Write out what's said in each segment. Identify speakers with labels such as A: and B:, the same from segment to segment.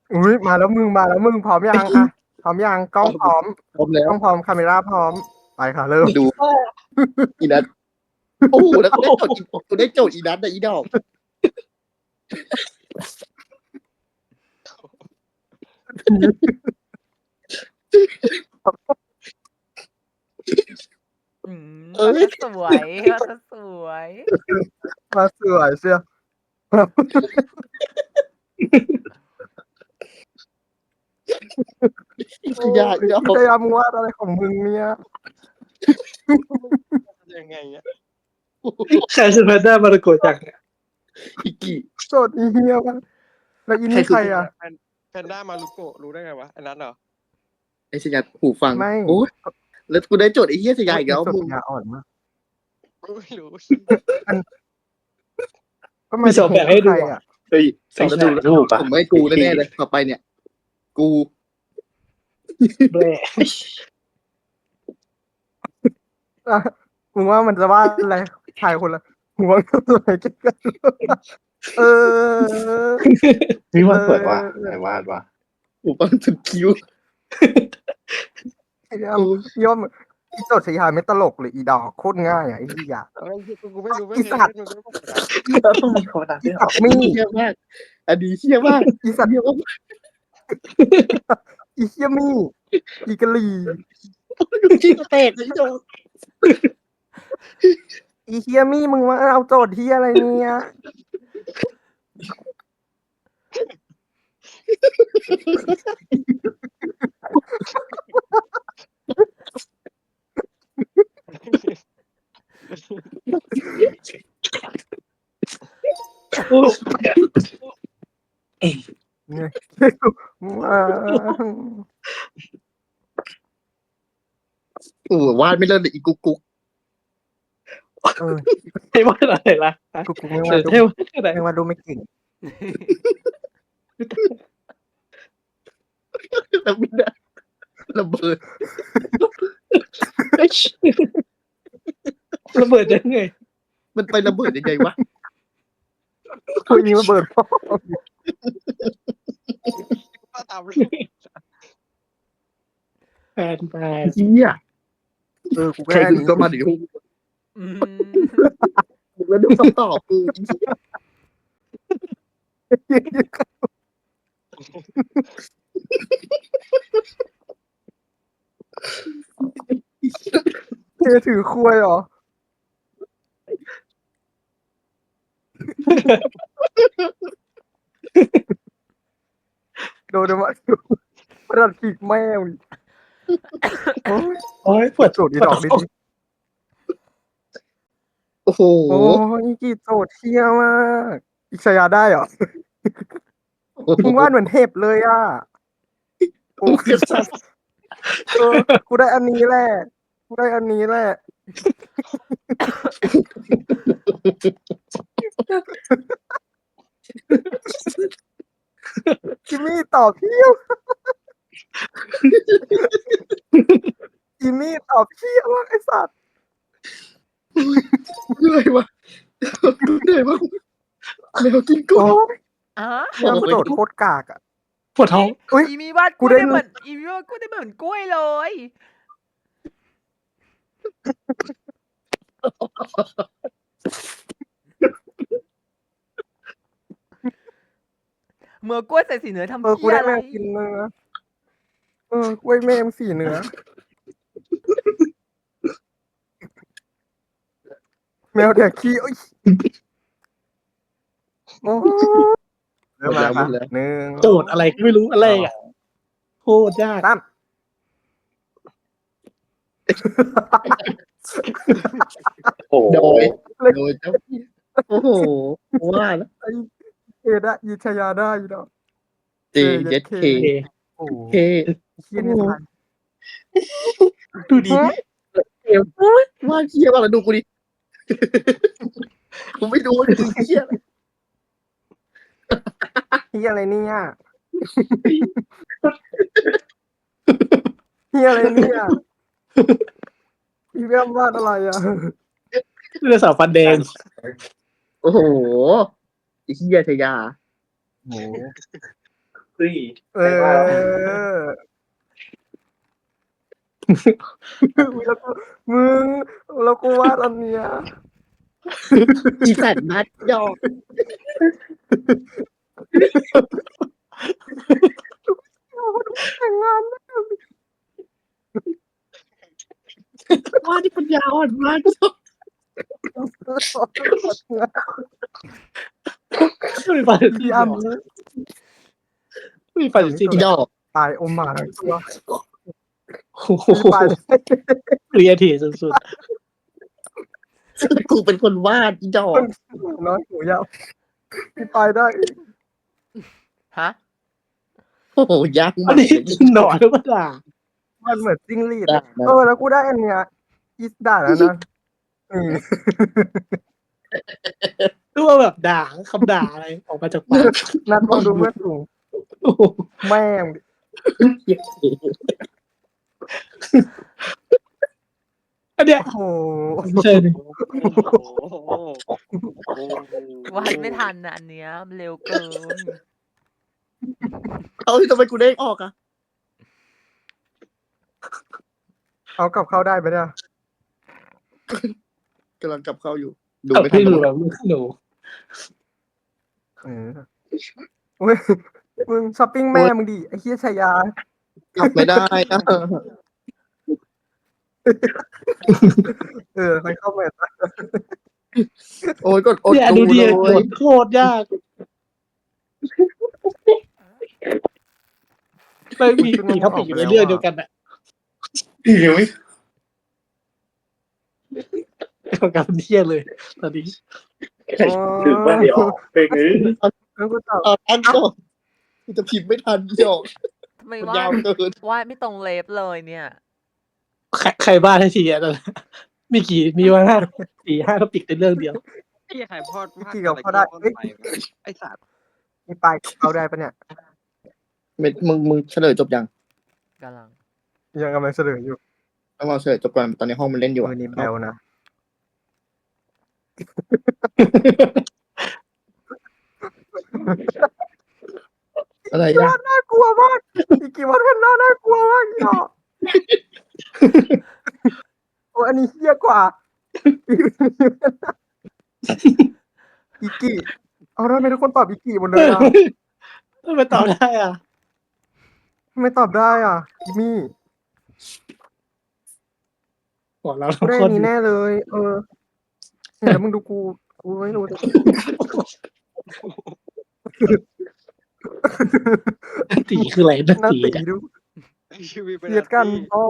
A: อุ้ยมาแล้วมึงพร้อมยังอ่ะพร้อมยังกล้องพร้อม
B: พร้อมแล้ว
A: กล้องพร้อมคาเมราพร้อมไปค่ะเริ่ม
B: ดูอีนัทโอ้โหแล้วกูได้โจทย์อีนัทนะอีดอก
C: ก็สวยก็สวย
A: มาสวยเชียว
B: ยากอีดอก
A: พยายามวาดอะไรของมึงเนี่ย
D: ยังไงเนี่ย
E: ใครคือแพนด้ามารุโกะจังเนี่ย
B: อีกี่
A: โจทย์อีเฮียวะแล้วอินนี่ใครอ่ะ
D: แพนด้ามารุโกะรู้ได้ไงวะอันนั้นเหรอ
B: ไอ้สยัดหูฟัง
A: ไม่
B: โอ้ยแล้วกูได้โจทย์ไอ้เหี้ยสยายอีกแล้ว
A: โจท
B: มึง
A: ย์ยาอ่อนมาก
D: ไม่รู้
A: ก็
E: มีสองแบบให้ดู
A: ใคร
E: อ่ะ
A: อ่ะ
E: เฮ้ย
B: สองดูรูปผมไม่กูแน่ๆเลยต่อไปเนี่ย กู
E: แร่
A: อ่ะมึงว่ามันจะวาดอะไรชายคนละหัวกับอะไรกันเออ
F: นี่วาดสวยว่ะไหนวาดว่ะ
B: หูฟังสุดคิ้ว
A: ไอ้ย่อมอีโจทย์ชายาไม่ตลกเลยอีดอกโคตรง่ายอ่ะไอ้เหี้ย
D: กูไม่รู้ไม่
A: อีสัตว์
F: แล้วต้องมีคนดัง
A: อี
F: ด้วยเหร
A: สั
F: อ
A: ตว์มี
B: เหี้ยมากอันนี้เหี้ยมาก
A: อีสัตว์
B: เหี้ยมาก
A: อีเฮียมี่อีกะลี
B: ดูที่แตกเลยโจ
A: อีเฮียมี่มึงมาเอาโจทย์ที่อะไรเนี่ยเนี่ยว้า
B: โอ้วาดไม่เลิศเลยอีกุ๊กกุ๊ก
A: เออ
E: ให้วาดอะไรล่ะ
A: กูไม่
E: เดี๋
A: ว่า
E: ยว
A: ดู
E: ให้วาดอะไร
A: ไม่ว่าดูไม่เก่ง
B: แล้วไม่ได้ระเบิด
E: ระเบิดยังไง
B: มันไประเบิดยังไงวะ
A: คุยยิงระเบิดพ่อ
D: ว่าตามรูป
E: แฟน
B: เหี้ย
A: กู
B: ใคร
A: แค่
B: ดู
A: นี้
B: ก็มาดิ
C: อืม
B: แล้วดูคำตอบกูอีเหี้ย
A: เทถือคุยเหรอโดนมาประดัดขีกแมวโอ้ย
E: โอ้ยปวด
A: โจทย์อีดอกดิ
B: โอ้โห
A: โอ้ยกี่โจทย์เที่ยมากอีกชายาได้เหรอมึงวาดเหมือนเห็บเลยอ่ะโอ้กูได้อันนี้แหละกูได้อันนี้แหละจิมมี่ตอบเพี้ยวจิมมี่ตอบเพี้ยวไอ้สัตว์
B: เหนื่อยวะเหนื่อยวะแมวกินกุ้
A: โอ้
B: ง
A: ย
C: อ่ะ
A: เนี่ยโจทย์โคตรกากอ่ะ
E: ปวดท้อง
A: อุ้ย
C: อีมีวาด
A: กู
C: กู
A: ได้
C: ได้เหมือนอีมีวาดกูได้เหมือนกล้วยเลยเมื่อกล้วยใส่สีเหนือทำ
A: กู
C: เพี้ย
A: ได้
C: อะไร
A: แมวกินเนื้อกล้วยแมวสีเนื้อแมวแดกขี้โอ้ยโอ้เริ่มแล้วครับหนึ่ง
E: โจทย์อะไรก็ไม่รู้อะไรอ่ะโคตรยาก
A: สาม
F: โอ้โห
B: โดยเจ้าพี่โอ้โหว่าแล้ว
A: เอได้ยีชายาได้ยีดอก
B: เจเย็ดเค
A: โอ้
B: เค
A: เฮียเนี่ยทัน
E: ดูดี
B: ว่าเคี้ยวอะไรดูกูดิกูไม่ดูคือเคี้ยอะไร
A: เฮียอะไรเนี่ยเฮียอะไรเนี่ยพี่แวมวาดอะไรอ่ะ
E: เรือสาวฟันแดง
B: โอ้โหไอ้เคี้ยชายา
A: โอ้
F: เฮ้ย
A: เอ
F: ใครว่า
A: อแล้วกูมึงแล้วกูวาดอันเนี้ย
B: อีสัตว์นัดยอก
A: แต่งงาน
B: ว่าที่ปัญญาอ่อนมาก
E: มีฟัน
A: พี่อ้ำ
E: มีฟันจริง
B: ยอก
A: ตายอมหมาทั้งตัว
E: โอ้โห
A: ตาย
E: เรียทีสุด
B: กูเป็นคนวาดยอก
A: น้อยหูยาวพี่ไปได้
C: ฮะ
B: โอ้โหยาก
E: ๆอั
B: มาน ก
E: นี้หนอนหรือเปล่า
A: มันเหมือนจิ้งหรีด
B: ได้
A: อะ
B: นะ
A: แล้วกูได้อันเนี้ยอีสได้แล้วนะอืม
E: หรือว่าแบบด่าคำด่าอะไรออกมาจากปาก
A: นัดลองดูเมื่อสูง
E: โอ้โห
A: แม่ง
E: อันเนี้ย
A: โอ้โห
E: ใช่เลย
D: โอ้โห
C: วาดไม่ทันนะอันเนี้ยมันเร็วเกิน
B: เอาทำไมกูเด้งออกอ่ะ
A: เอากลับเข้าได้ไหมเนี่ย
B: กำลังกลับเข้าอยู่ ดู
E: กับ
B: ไม่ทั
E: พี่
B: น
E: ดูแบบลูกหนู
A: เอออุ้ยมึงช้อปปิ้งแม่มึงดิไอ้เฮียชายาก
B: ลับไม่ได้นะ
A: ไปเข้ามา
B: โอ้ยกดอด
E: เนี่ย
B: ดู
E: ดูดิ
B: เลย
E: โคตรยากไม่มีท็อปิกอยู่ในเรื่องเดียวกันอะ
F: ยังไม่
E: กับเที่ยเลยตอนนี้
F: ถึงว่าเดี๋ยวออกเป็นไง
A: แล้วกูตอบ
B: เอาตั้งก่อนกูจะพิมพ์ไม่ทันยอก
C: ทำไม
B: มัน
C: วาด
B: ยาวเกิน
C: วาดไม่ตรงเล็บเลยเนี่ย
E: ใครบ้าให้ทีอ่ะตอนนั้นมีว่า4-5ท็อปิกในเรื่องเดียว
D: ไอ้ไข่พอดมาก
A: กี่กับเข้าได้เอ้ย
D: ไอ้สัตว์
A: มีไปเข้าได้ปะเนี่ย
B: มึงเฉลยจบยัง
C: กำลัง
A: ยังกำลังเฉลยอยู่
B: ต้องรอเฉลยจบก่อนตอนนี้ห้องมันเล่นอยู่
A: มือนี้แบลนะ
B: อะไรยาก
A: น่ากลัวมากอีกกี่วันเป็นน่ากลัวมากอีกโอ้อันนี้เฮี้ยกว่าอีกกี่เอาทำไมทุกคนตอบอีกกี่หมดเลยอ่ะ
E: ทำไมตอบได้อ่ะ
A: ทำไม่ตอบได้อ่ะจิมี่
E: บอกเรา
A: กู
E: ทุก
A: ได้
E: ค
A: อั
E: น
A: นนี้แน่เลย เนี่ยแล้วมึงดูกูไม่รู้
E: ตีคืออะไรนะ
A: หน้า
E: ตี
A: ตี
E: เนี่ย
A: ดู
D: ไอ้ชีวิตเป็น
A: เกลียดกันอ๋อ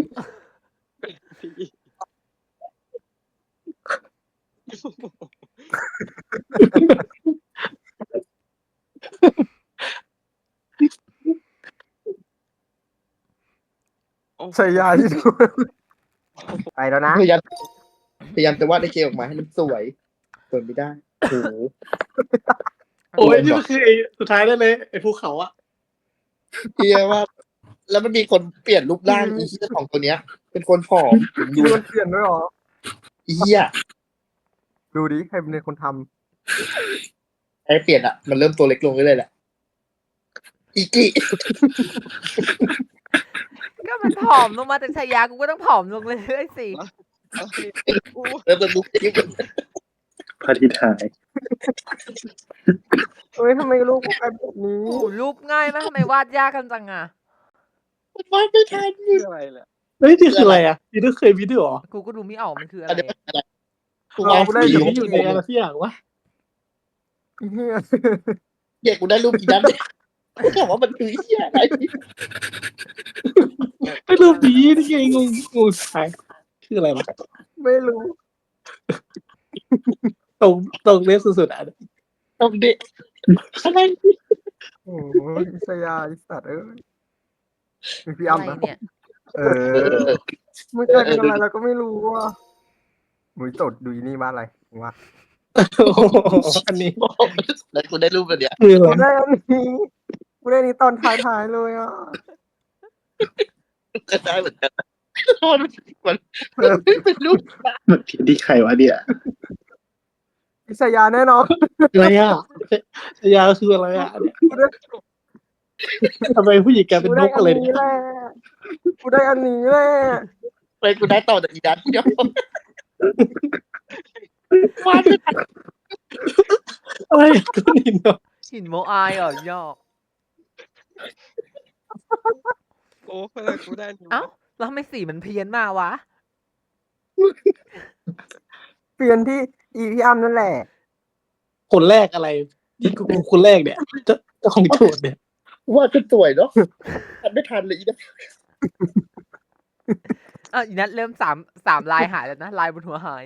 A: ใช้ยาที่ดูไปแล้วนะ
B: พยายามจะวาดไอ้เกลออกมาให้มันสวยเปิดไม่ได้โอ้โห
E: โอ้ยนี่มันคือไอ้สุดท้ายได้เลยไอ้ภูเขาอ่ะ
B: เฮียว่าแล้วมันมีคนเปลี่ยนรูปร่างอีเฮียของตัวเนี้ย เป็นคนผอม
A: ดู
B: ดู
A: มันเปลี่ยนด้วยเหรอ
B: อีเฮีย
A: ดูดิใครเป็นคนท
B: ไอ้เปลี่ยนอ่ะมันเริ่มตัวเล็กลงเรื่อยๆแหละอีกิ
C: ก็มันผอมลงมาแต่ชายากูก็ต้องผอมลงเรื่อยๆสิ
D: กู
B: แล้วมันลุกที่
F: พระอาทิตย์หาย
A: ำเฮ้ยทำไมลูกกูกลายเป็นแบบนี้
C: โอ้โหรูปง่ายมากทำไมวาดยากกันจังอะ
B: มันวาดไม่ทัน
D: คืออะไรแหละ
E: เฮ้ยนี่คืออะไรอ่ะนี่ต้องเคยวิดีโอเหรอ
C: กูก็ดูไม่ออกมันคืออะ
B: อัน
C: ไร
B: นี้เป็นอะไรกู
A: เอา
B: วาด
A: กูได้
E: ห
B: สี
E: รืออยู่ในอะไรสักอย่างวะ
A: เฮีย
B: เฮียกูได้รูปอีนั้นกูถามว่ามันคือเฮียอะไร
E: ไอ้รูปนี้นี่ไงงสุดท้ายคืออะไรวะ
A: ไม่รู้
E: ตรงเลสสุดๆอ่ะ
B: ต้องเด็กอะไร
A: โอ้ยสยาไอ้สัตว์เอ้ยมีพี่
C: อะไร
A: อ้ำนะ
C: เนี่ย
A: เออไม่ใช่เป็นอะไรเราก็ไม่รู้ว่ามึงจดดูอีนี่มาอะไรวะ
E: โอ้โหอันนี้
B: แล้วกูได้รูปแบบเนี้ย
E: คืออะไร
A: กูได้อันนี้กูได้อันนี้ตอนท้ายๆเลยอ่ะ
B: ก็ได้เหมือนกันมันเป็นรูป
F: มันผิดที่ใครวะเนี่ย
A: พิชยาแน่นอน
E: อะไรอ่ะชายาคืออะไรอ่ะเนี่ย
A: กูได้
E: ทำไมผู้หญิงกลายเป็นนกอะไร
A: กู
E: เนี่ย
A: ได้กูได้อันนี้แหละ
B: ไปกูได้ต่อจากอีดันเดียววาดไม่ทัน
E: อะไรก็นินเนาะ
C: หินโมอายเหรอยอก
D: โอ้เพื่อนกูได้นี่
C: เอ้าแล้วทำไมสีมันเพี้ยนมาวะ
A: เปลี่ยนที่อีพี่อ้ำนั่นแหละ
E: คนแรกอะไรที่กูคนแรกเนี่ยเจ้าของโจทย์เนี่ย
B: วาดก็สวยเนาะทันไม่ทันเลยอีดัน
C: อีนัทเริ่มสามลายหายแล้วนะลายบนหัวหาย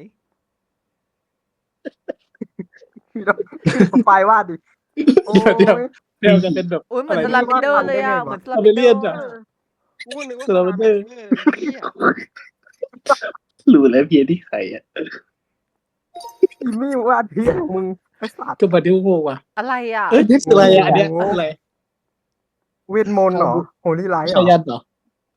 A: พี่ต้องไฟวาดดิโอ้ย
E: เดี๋ยวจะเป็นแบบ
C: อุ้ยเหมือน
E: อะไร
C: สลัมบิเดอร์เลยอ่ะ
A: วาด
C: เหมือนสลัมบิเดอ
E: Siberian
C: ร์
E: อะ
D: กูก็นึกว่า
E: สลับเดอร์
D: เหี้ย
F: รู้แล้วเพียที่ใครอ่ะ
A: อีมี่วาดพี่ของมึงไอ้สัตว์
E: ก็มาดิวโมว่ะ
C: อะไรอ่ะ
E: เอ้ยอะไรอ่ะอันเนี้ยอะไร
A: เวทมนต์เหรอโฮลี่ไลท์เหร
E: ชา
A: อ
E: ยันเหรอ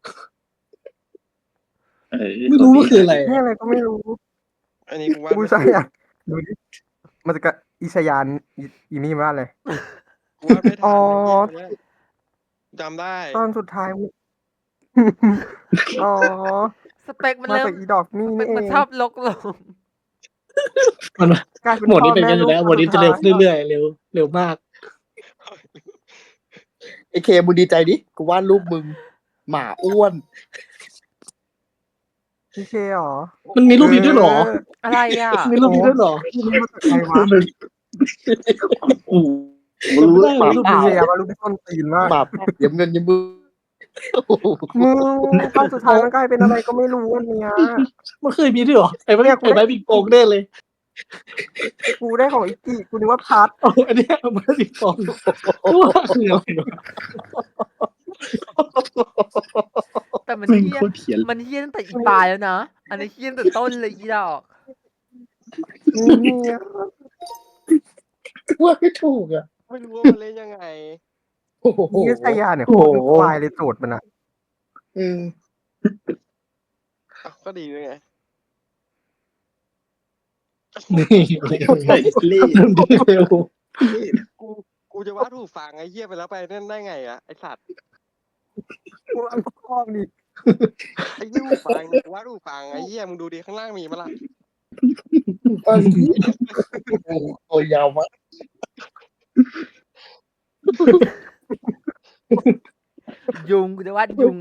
F: ไม่
E: รู้ว่าคืออะไร
A: นี่อะไรก็ไม่รู้
D: อันนี้กูว่า
A: กูใช่อ่ะดูดิมันจะกะอิชยานอีมี่วาดเลย
D: กูว่าไม่ทัน
A: อ๋อ
D: เนี่ยจำได้
A: ตอนสุดท้ายมึงอ๋อ
C: สเปคมัน
A: มา
C: เริ่ม
A: จากอีดอกนี่
C: สเป
A: นี่
C: ค
A: เอ
C: มัน
A: ง
C: ชอบลกลง
E: มัน
A: กลายเป็น
E: หมดนี้เป็น
A: พ่
E: กัน
A: อ
E: อยู่แล้ว
A: แม่
E: หมดนี้จะเร็วขึ้นเรื่อยๆเร็วมาก
B: ไอเคมึงดีใจดิกูวาดรูปมึง หมาอ้วน
A: พี่เคเหรอ
E: มันมีรูปนี้ด้วยเหรอ
C: อะไรอ่ะ
E: มีรูปนี้ด้วยเหรอ
A: พี่นี่มาจากใครวะ
F: กูรู้แล้วหมา
E: รูป
A: พี่
E: นี้
A: เคว่ารูปที่ต้นตีนมาก
B: หมาเดี๋ยวเงินยังมือ
A: มึงตอนสุดท้ายมันกลายเป็นอะไรก็ไม่รู้อันเนี้ย
E: มันเคยมีด้วยเหรอไอ้ไม้บิงโปงแน่เลย
A: กูได้ของอีกกี้กูนึกว่าพัด
E: เอาอันเนี้ยเอาไม้บิงโปงว่าคืออะไรวะ
C: แต่มัน
F: แม่ง
C: เฮี้ย
F: โคตรเถียน
C: มันเฮี้ยตั้งแต่อีปลายแล้วนะ อันนี้เฮี้ยตั้งแต่ต้นเลยอีดอก
A: เนี่ย
B: ว่าไม่ถูกอ่ะ
D: ไม่รู้ว่ามันเล่นยังไง
B: โอ้โห
A: นี่ชายาเนี่ยโคตรควายเลยโจทย์มันอ่ะ
B: อืม
D: อ่ะก็ดีด้วยไง
E: นี่
F: ไอ้เล่
E: เริ่มดีเร็ว
D: กูจะว่าถูกฟังไอ้เหี้ยไปแล้วไปนั่นได้ไงอะไอ้สัตว์
A: กูอันคอกดิ
D: ไอ้เหี้ยถูกฟังกูว่าถูกฟังไอ้เหี้ยมึงดูดิข้างล่างมีมั้ยล่ะ
B: ตัวยาวมาก
C: ยุงกูจะวาดยุง